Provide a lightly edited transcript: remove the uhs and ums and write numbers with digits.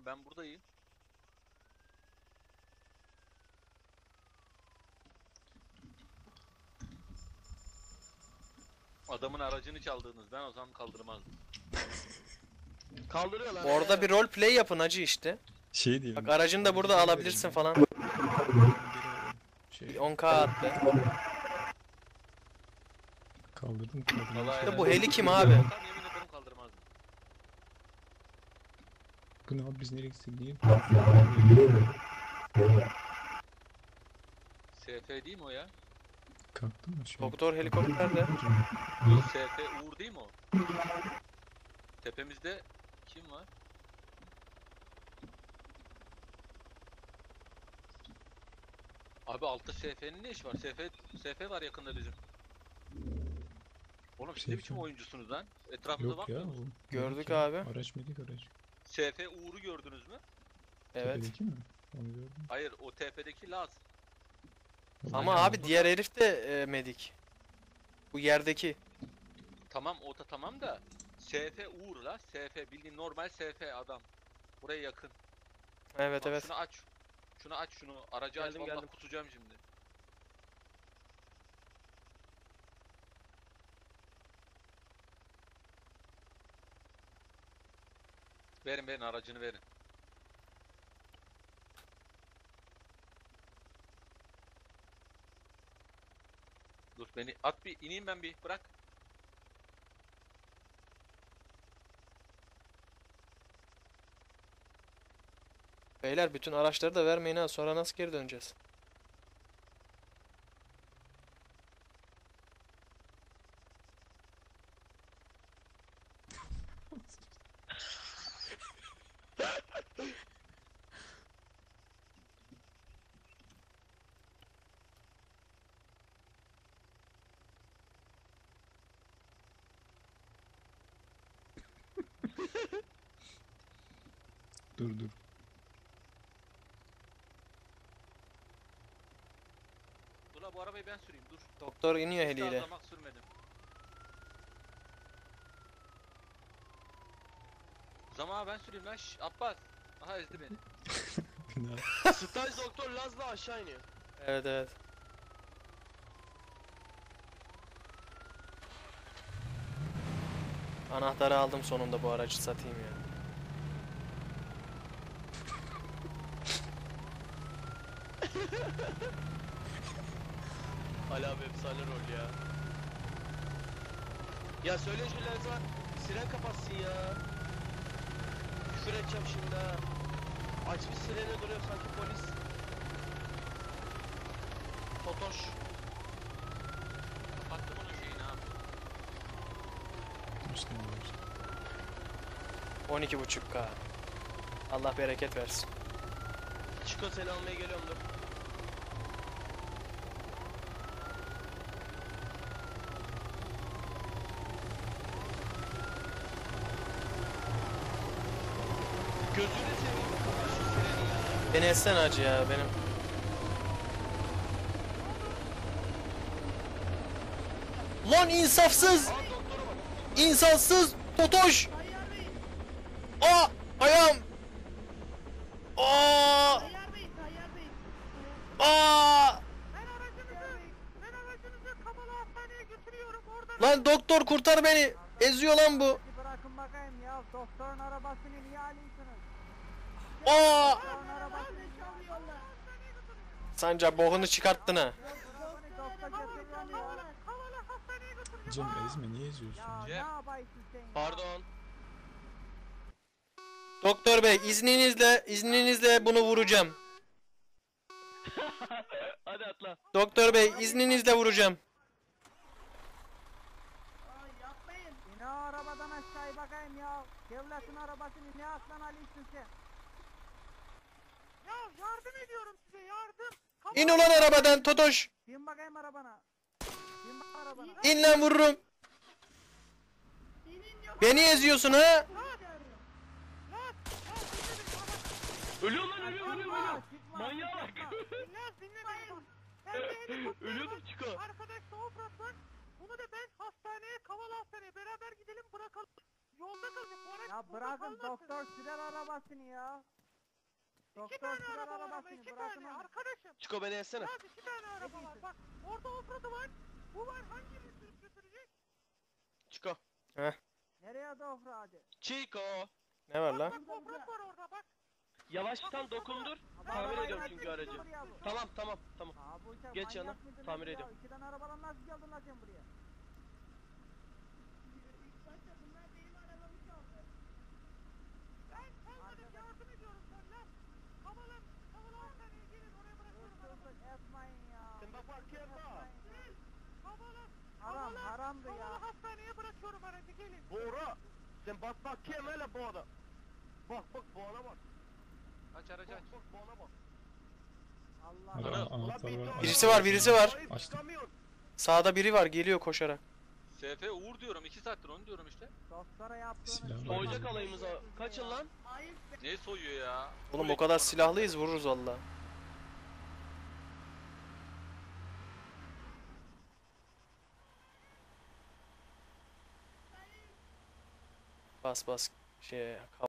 ben buradayım. Adamın aracını çaldınız. Ben o zaman kaldırmazdım. Kaldırıyorlar. Orada bir rol play yapın hacı işte. Şey diyelim. Bak aracını da burada alabilirsin falan. Şey, Bir 10k attı. kaldırdım. Vallahi İşte helal bu heli olsun. kim abi? Tam yemin ederim kaldırmazdım. Bu ne abi, biz nereye gitsek niye? SF değil mi o ya? Kalktın mı? Şey, Doktor helikopterde. Bu SF Uğur değil mi o? Tepemizde kim var? Abi altta SF'nin ne işi var? SF var yakında bizim. Oğlum siz ne SF. biçim oyuncusunuz lan? Etrafınıza Yok ya. bakmıyor musunuz? Gördük medik ya. abi. Araç medik araç. SF Uğur'u gördünüz mü? Evet. Tepedeki mi? Onu gördüm. Hayır, o tepedeki Laz. Ama abi diğer herif de medik. Bu yerdeki. Tamam, o da tamam da SF Uğur la. SF bildiğin normal SF adam. Buraya yakın. Evet Bak, evet. şunu aç. Şunu aç şunu. Aracı aç, Geldim, vallahi geldim. kusacağım şimdi. Verin aracını verin. Dur beni at, bir ineyim ben, bir bırak. Beyler bütün araçları da vermeyin ha. Sonra nasıl geri döneceğiz? Dur. Dur la, bu arabayı ben süreyim, dur. Doktor iniyor Hiç heliyle. gazlamak sürmedim. Zaman ben süreyim lan. Şşş, Abbas. Aha ezdi beni. Bina. Staj doktor Laz'la aşağı iniyor. Evet evet. Anahtarı aldım sonunda, bu aracı satayım ya. Ali abi efsane rol ya. Ya söyle şu Laz'a siren kapatsın ya. Küfür edeceğim şimdi ha. Açmış sirene duruyor sanki polis. Totoş. Kapattım onun şeyini abi. İşte ne var? 12.5k. Allah bereket versin. Çiko seni almaya geliyorum dur. Gözünü seveyim kapat şu sireni ya. Beni etsen hacı ya benim. Lan insafsız! Aa doktora bak. İnsansız! Totoş! Aa! Ayağım! Aa! Tayyar Bey. Aa! Ben aracınızı Kapalı Hastaneye götürüyorum. Orada Lan doktor kurtar beni! Eziyor lan bu! bırakın bakayım ya. Doktorun arabasını niye alıyorsunuz? Aa! Doktorun arabasını çalıyorlar. Sancar boğunu çıkarttın ha. Doktor götürüyorum ya. Kapalı Hastaneye götürüyorum. Cem ezme, niye eziyorsun? Ya ne Cem. yapıyorsun sen ya? Pardon. Doktor bey izninizle bunu vuracağım. Hadi atla. Doktor bey izninizle vuracağım. Ay yapmayın. İn o arabadan aşağıya bakayım ya. Devletin arabasını ne aslan alıyorsun sen? Ya yardım ediyorum size, yardım. İn ulan arabadan Totoş. Bin bakayım arabana. Bin bak arabana. İn lan vururum. Beni eziyorsun ha. Ölüyor lan ölüyor. Çıkma, Manyağa bak. çıkma. Dinle beni bak. Ben de helikopter Ölüyordum var. Çiko. Arkadaş da Ofrat var. Bunu da ben hastaneye, Kavala Hastaneye beraber gidelim bırakalım. Yolda kalacak. O araç Ya burada bırakın kalmasın. doktor sürer arabasını ya. Doktor sürer arabasını bırakın onu. Arkadaşım. Çiko beni etsene. Ya iki tane araba var. Bak orada offroad'u var. Bu var. Hangirini sürüp götürecek? Çiko. Nereye doğru hadi? Çiko. Ne var lan? Bak offroad var orada bak. Yavaştan dokundur. Tamir ediyorum çünkü aracı. Tamam tamam tamam. Aa, bu uçak Geç yana, manyak mıdır tamir nedir ya? ediyorum. İki tane arabadan nasıl geldin lan sen buraya? Ben sana yardım ediyorum sen lan. Kavala 10 saniye gelin oraya bırakıyorum arabayı. Etmeyin ya. Sen bak bakayım bak. Gel. Kavala. Haram haramdı ya. Kavala hastaneye bırakıyorum aracı gelin. Bora. Sen bak bakayım hele bu adam. Bak bak bu ana bak. Aç aracı aç. Bak bu ana bak. Allah Araba Allah. anahtar var. Birisi var, birisi var. Açtım. Sağda biri var, geliyor koşarak. SF Uğur diyorum 2 saattir onu diyorum işte. Doktora yaptığını Silah var. Soyacak alayımıza. Kaçın lan. Ne soyuyor ya? Oğlum o kadar silahlıyız, vururuz valla. Bas bas şey